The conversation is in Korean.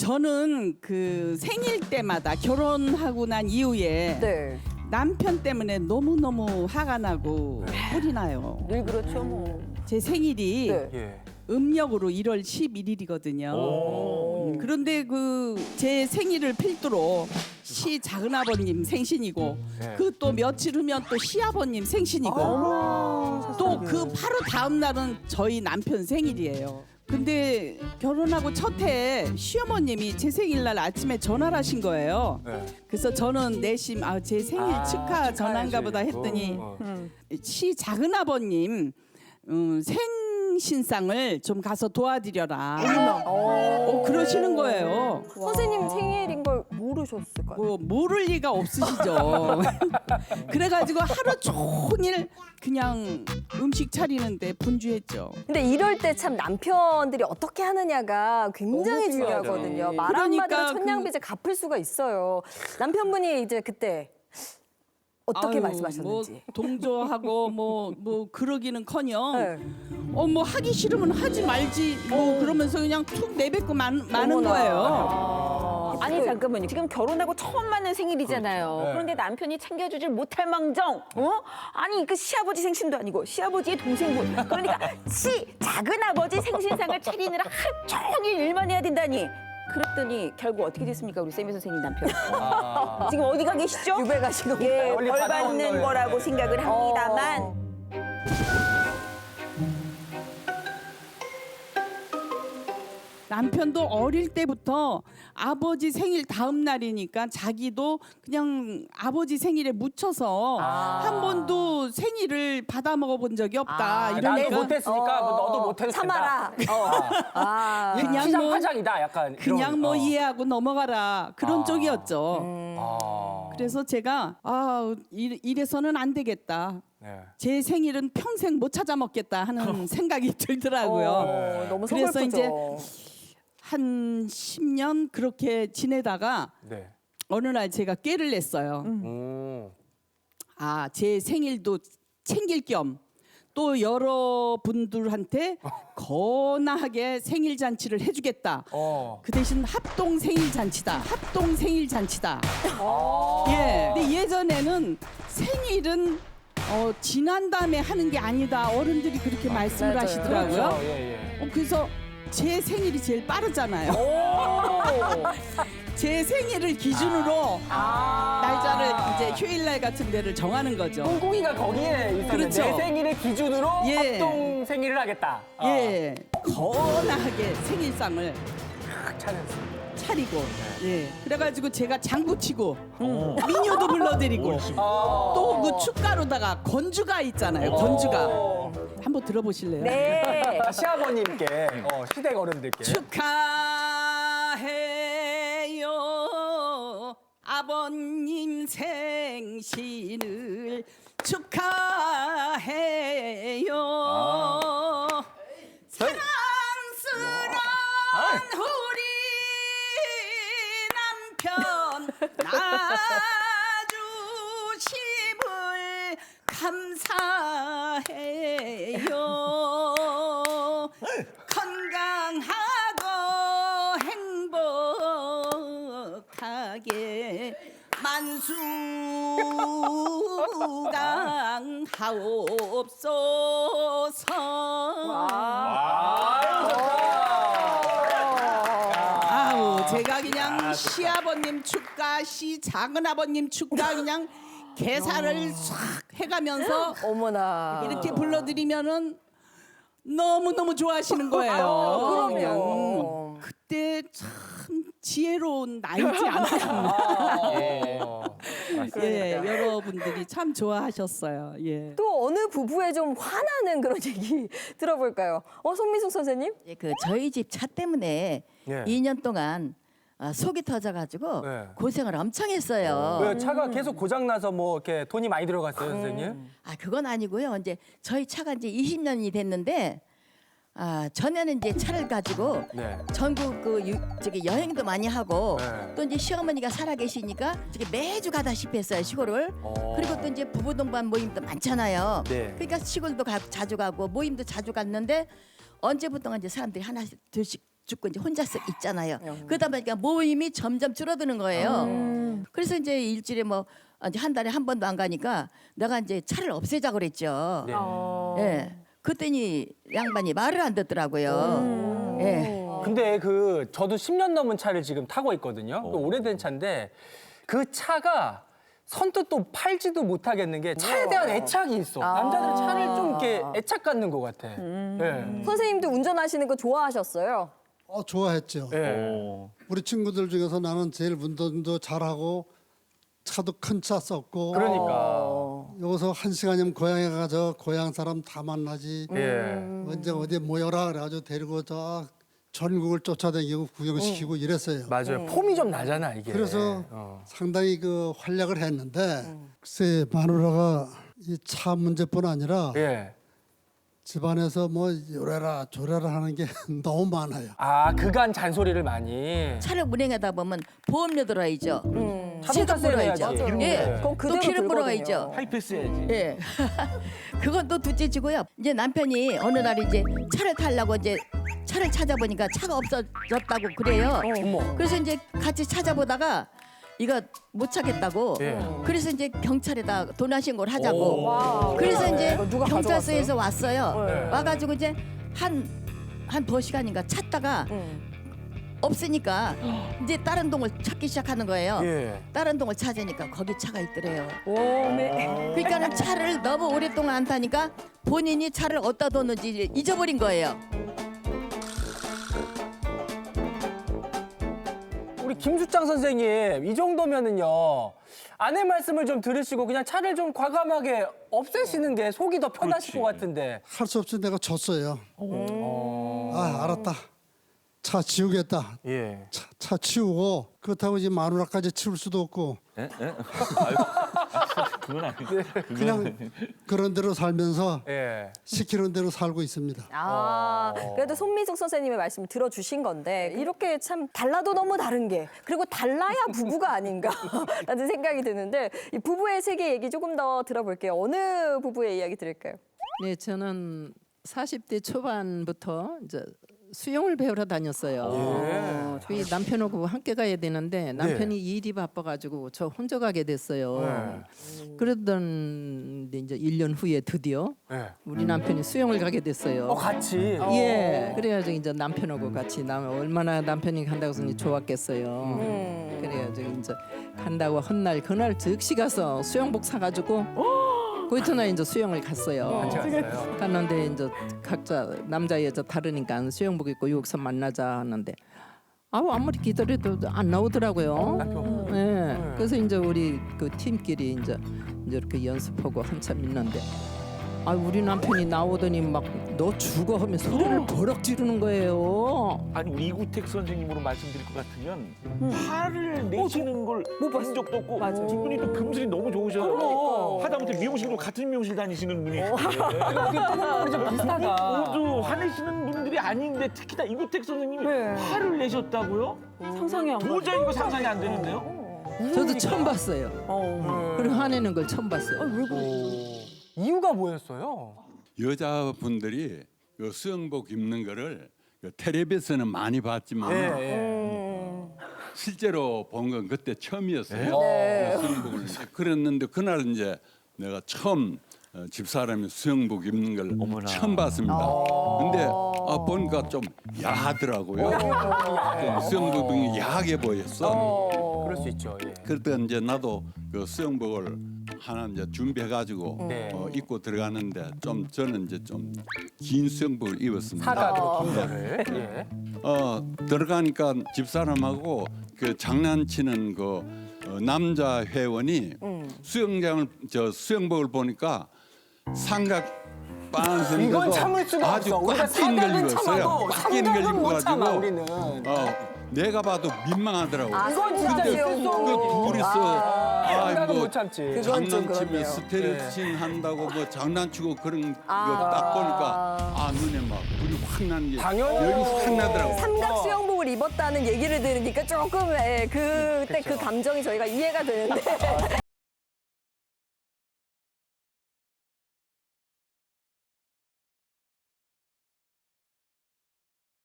저는 그 생일 때마다 결혼하고 난 이후에 네. 남편 때문에 너무너무 화가 나고 뿔이 나요. 늘 그렇죠 뭐. 제 생일이 네. 예. 음력으로 1월 11일이거든요. 그런데 그 제 생일을 필두로 시 작은아버님 생신이고 네. 그 또 며칠 후면 또 시아버님 생신이고 또 그 바로 다음 날은 저희 남편 생일이에요. 근데 결혼하고 첫 해에 시어머님이 제 생일날 아침에 전화를 하신 거예요. 네. 그래서 저는 내심 제 생일 축하 전화인가 보다 했더니 시 작은아버님 생신상을 좀 가서 도와드려라. 그러시는 거예요. 선생님 생일인 걸 모르셨을까요? 뭐 모를 리가 없으시죠. 그래가지고 하루 종일 그냥 음식 차리는데 분주했죠. 근데 이럴 때 참 남편들이 어떻게 하느냐가 굉장히 너무 중요하죠. 중요하거든요. 말 한마디로 그러니까 천냥빚을 갚을 수가 있어요. 남편분이 이제 그때 어떻게 아유, 말씀하셨는지. 뭐 동조하고 뭐 그러기는커녕 네. 뭐 하기 싫으면 하지 말지 뭐 그러면서 그냥 툭 내뱉고 마는 어머나. 거예요. 아니 잠깐만요. 지금 결혼하고 처음 맞는 생일이잖아요. 네. 그런데 남편이 챙겨주질 못할 망정. 아니 그 시아버지 생신도 아니고 시아버지의 동생분. 그러니까 작은아버지 생신상을 차리느라 하루 종일 일만 해야 된다니. 그랬더니 결국 어떻게 됐습니까, 우리 세미 선생님 남편? 지금 어디 가 계시죠? 유배 가시고. 예, 멀리 벌 받아온 받는 거예요. 거라고 생각을 합니다만. 남편도 어릴 때부터 아버지 생일 다음 날이니까 자기도 그냥 아버지 생일에 묻혀서 한 번도 생일을 받아 먹어본 적이 없다. 나도 이러니까 못했으니까 뭐 너도 못해도 참아라. 그냥 시장 뭐 파장이다 약간. 그냥 이런, 뭐 이해하고 넘어가라 그런 쪽이었죠. 그래서 제가 이래서는 안 되겠다. 네. 제 생일은 평생 못 찾아 먹겠다 하는 생각이 들더라고요. 너무 그래서 서글프죠. 이제 한 10년 그렇게 지내다가 네. 어느 날 제가 꾀를 냈어요. 제 생일도 챙길 겸 또 여러분들한테 거나하게 생일 잔치를 해주겠다. 그 대신 합동 생일 잔치다. 합동 생일 잔치다. 예. 근데 예전에는 생일은 지난 다음에 하는 게 아니다. 어른들이 그렇게 말씀을 맞아요. 하시더라고요. 그렇죠. 예, 예. 그래서 제 생일이 제일 빠르잖아요. 제 생일을 기준으로 날짜를 이제 휴일날 같은 데를 정하는 거죠. 꽁꽁이가 거기에 있었는데 그렇죠. 내 생일을 기준으로 예. 합동 생일을 하겠다. 예, 거나하게 생일상을 차리고, 예, 그래가지고 제가 장구 치고 미녀도 불러드리고 또 그 축가로다가 건주가 있잖아요. 건주가 한번 들어보실래요? 네. 시아버님께 시댁 어른들께 축하해요 아버님 생신을 축하해요 사랑스러운 우리 남편 낳아주심을 감사해요 건강하고 행복하게 만수강하옵소서. 제가 그냥 시아버님 축가, 시 작은아버님 축가 그냥 개사를 싹 해가면서 어머나. 이렇게 불러드리면은 너무너무 좋아하시는 거예요. 그럼요. 그때 참 지혜로운 나이지 않았나. 예, 여러분들이 참 좋아하셨어요. 예. 또 어느 부부의 좀 화나는 그런 얘기 들어볼까요? 손미숙 선생님? 그 저희 집 차 때문에 예. 2년 동안 속이 터져가지고 네. 고생을 엄청 했어요. 왜 차가 계속 고장 나서 뭐 이렇게 돈이 많이 들어갔어요, 선생님? 그건 아니고요. 이제 저희 차가 이제 20년이 됐는데 전에는 이제 차를 가지고 네. 전국 저기 여행도 많이 하고 네. 또 이제 시어머니가 살아 계시니까 저기 매주 가다시피 했어요 시골을. 그리고 또 이제 부부 동반 모임도 많잖아요. 네. 그러니까 시골도 자주 가고 모임도 자주 갔는데 언제부턴가 이제 사람들이 하나씩 둘씩 죽고 이제 혼자서 있잖아요. 그러다 보니까 모임이 점점 줄어드는 거예요. 그래서 이제 일주일에 뭐 이제 한 달에 한 번도 안 가니까 내가 이제 차를 없애자 그랬죠. 네. 예. 그랬더니 양반이 말을 안 듣더라고요. 예. 근데 저도 10년 넘은 차를 지금 타고 있거든요. 그 오래된 차인데 그 차가 선뜻 또 팔지도 못하겠는 게 차에 대한 애착이 있어. 남자들 차를 좀 이렇게 애착 갖는 것 같아. 네. 선생님도 운전하시는 거 좋아하셨어요? 좋아했죠. 네. 우리 친구들 중에서 나는 제일 운전도 잘하고 차도 큰 차 썼고 그러니까. 여기서 1시간이면 고향에 가서 고향 사람 다 만나지. 예. 언제 어디 모여라 그래가지고 데리고 저 전국을 쫓아다니고 구경시키고 이랬어요. 맞아요. 폼이 좀 나잖아 이게. 그래서 상당히 그 활약을 했는데 글쎄 마누라가 이 차 문제뿐 아니라 예. 집안에서 뭐 요래라 조래라 하는 게 너무 많아요. 아 그간 잔소리를 많이. 차를 운행하다 보면 보험료 들어야죠. 자동차 세금 물어야죠. 세금 내야지. 예. 그건 또 그대로 기름 들거든요. 물어야죠. 하이패스 해야지. 예. 그건 또 둘째치고요. 이제 남편이 어느 날 이제 차를 타려고 이제 차를 찾아보니까 차가 없어졌다고 그래요. 어머. 그래서 이제 같이 찾아보다가 이거 못 찾겠다고. 예. 그래서 이제 경찰에다 도난 신고를 하자고. 와. 그래서 이제 이거 누가 경찰서에서 왔어요. 네. 와가지고 이제 한 2시간인가 찾다가 없으니까 이제 다른 동을 찾기 시작하는 거예요. 예. 다른 동을 찾으니까 거기 차가 있더래요. 오메. 그러니까는 차를 너무 오랫동안 안 타니까 본인이 차를 어디다 뒀는지 잊어버린 거예요. 우리 김수창 선생님 이 정도면은요 아내 말씀을 좀 들으시고 그냥 차를 좀 과감하게 없애시는 게 속이 더 편하실 것 같은데. 할 수 없이 내가 졌어요. 알았다. 차 지우겠다. 예. 차 치우고 그렇다고 이제 마누라까지 치울 수도 없고 예? 예? 그건 아니고. 그냥 그런 대로 살면서 예. 시키는 대로 살고 있습니다. 그래도 손미숙 선생님의 말씀 들어주신 건데 이렇게 참 달라도 너무 다른 게 그리고 달라야 부부가 아닌가라는 생각이 드는데 이 부부의 세계 얘기 조금 더 들어볼게요. 어느 부부의 이야기 들을까요? 네, 저는 40대 초반부터 이제 수영을 배우러 다녔어요. 저희 남편하고 함께 가야 되는데 남편이 일이 바빠가지고 저 혼자 가게 됐어요. 그러던 이제 1년 후에 드디어 예. 우리 남편이 수영을 가게 됐어요. 같이. 예, 그래가지고 이제 남편하고 같이 얼마나 남편이 간다고 해서 좋았겠어요. 그래가지고 이제 간다고 한 날 그날 즉시 가서 수영복 사가지고 그 이튿날 이제 수영을 갔어요. 같이 갔어요. 갔는데 이제 각자 남자 여자 다르니까 수영복 입고 여기서 만나자 하는데 아무리 기다려도 안 나오더라고요. 네. 그래서 이제 우리 그 팀끼리 이제 이렇게 연습하고 한참 있는데 우리 남편이 나오더니 막 너 죽어 하면 소리를 버럭 지르는 거예요. 아니 우리 이구택 선생님으로 말씀드릴 것 같으면 화를 내시는 걸 본 적도 없고 이분이 또 금슬이 너무 좋으셔서 하다못해 미용실도 같은 미용실 다니시는 분이 우리 좀 비슷하다. 모두 화내시는 분들이 아닌데 특히나 이구택 선생님이 화를 내셨다고요? 상상이 안 가. 도저히 이거 상상이 안 되는데요? 저도 처음 봤어요. 그리고 화내는 걸 처음 봤어요. 이유가 뭐였어요? 여자분들이 그 수영복 입는 거를 그 텔레비에서는 많이 봤지만 실제로 본 건 그때 처음이었어요. 그 수영복을 그랬는데 그날 이제 내가 처음 집사람이 수영복 입는 걸 처음 봤습니다. 근데 보니까 좀 야하더라고요. 수영복이 야하게 보였어. 그럴 수 있죠. 예. 그때 이제 나도 그 수영복을 하나 이제 준비해가지고 네. 입고 들어가는데 좀 저는 이제 좀 긴 수영복을 입었습니다. 사각으로 긴 거를. 예. 들어가니까 집사람하고 그 장난치는 그 남자 회원이 수영복을 보니까 삼각 반선 이건 참을 수가 아주 없어. 우리가 꽉 낀 걸 사각은 입었어요. 참아도 꽉 낀 걸 삼각은 못 참아 입어가지고 우리는. 내가 봐도 민망하더라고. 이건 진짜 근데 수영복. 그 둘이서 삼각은 못 참지. 그건 좀 장난치면 그렇네요. 스트레칭 한다고 뭐 장난치고 그런 거 딱 보니까 눈에 막 불이 확 나는 게 당연히. 열이 확 나더라고. 삼각 수영복을 입었다는 얘기를 들으니까 조금 그때 그 감정이 저희가 이해가 되는데